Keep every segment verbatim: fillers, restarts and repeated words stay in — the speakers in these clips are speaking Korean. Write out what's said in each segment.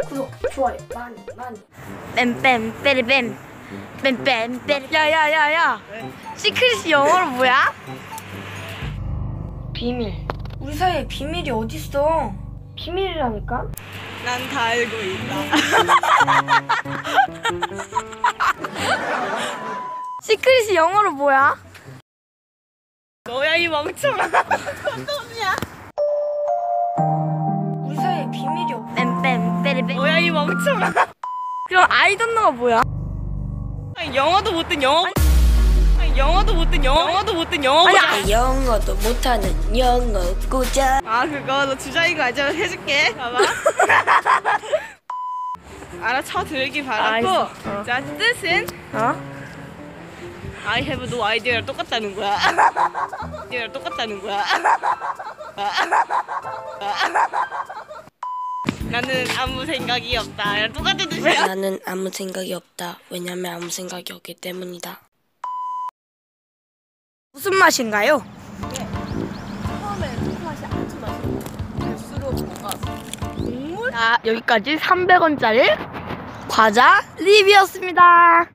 구독, 좋아요 많이 많이. 뺨뺨 빼리뺨 뺨뺨 빼리. 야야야야. 시크릿이 영어로 뭐야? 비밀. 우리 사이에 비밀이 어딨어? 비밀이라니까? 난 다 알고 있다. 시크릿이 영어로 뭐야? 너야 이 멍청아. 놈이야. 우리 사이에 비밀이 없. 뺨뺨 빼리뺨. 너야 이 멍청아. 그럼 아이돈노가 뭐야? 아니, 영어도 못된 영어. 아니, 영어도 못된 영어. 영어도 못된 영어. 아니야. 영어도 못하는 영어 꾸자. 아 그거 너 주자인 거 알죠? 해줄게. 봐봐. 알아쳐 들기 바랐고. 알겠어. 어. 자 뜻은 어? I have no idea랑 똑같다는 거야. idea랑 똑같다는 거야. 나는 아무 생각이 없다. 똑같은 뜻이야. 나는 아무 생각이 없다. 왜냐면 아무 생각이 없기 때문이다. 무슨 맛인가요? 처음에 맛이 아주 맛있어. 갈수록 뭔가 국물? 자, 여기까지 삼백 원짜리 과자 리뷰였습니다.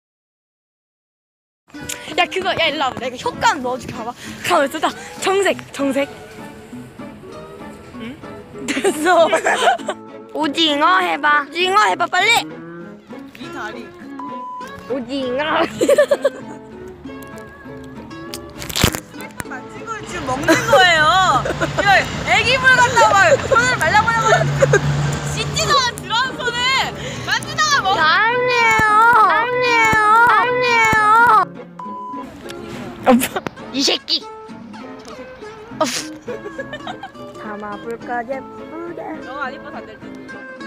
야, 그거, 야, 일로 와봐. 내가 효과음 넣어줄게. 봐봐. 가만 있어. 자, 정색, 정색. 응? 됐어. 오징어 해봐. 오징어 해봐, 빨리. 이 다리. 오징어. 만지고 지금 먹는 거예요. 이거 애기물 같다고 막 손을 말려버려가지고 씻지도 않은 들어온 손을 만지다가 먹. 아니에요. 아니에요. 아니에요. 이 새끼. 담아볼까 예쁘게. 너가 안 이뻐서 안 될 듯.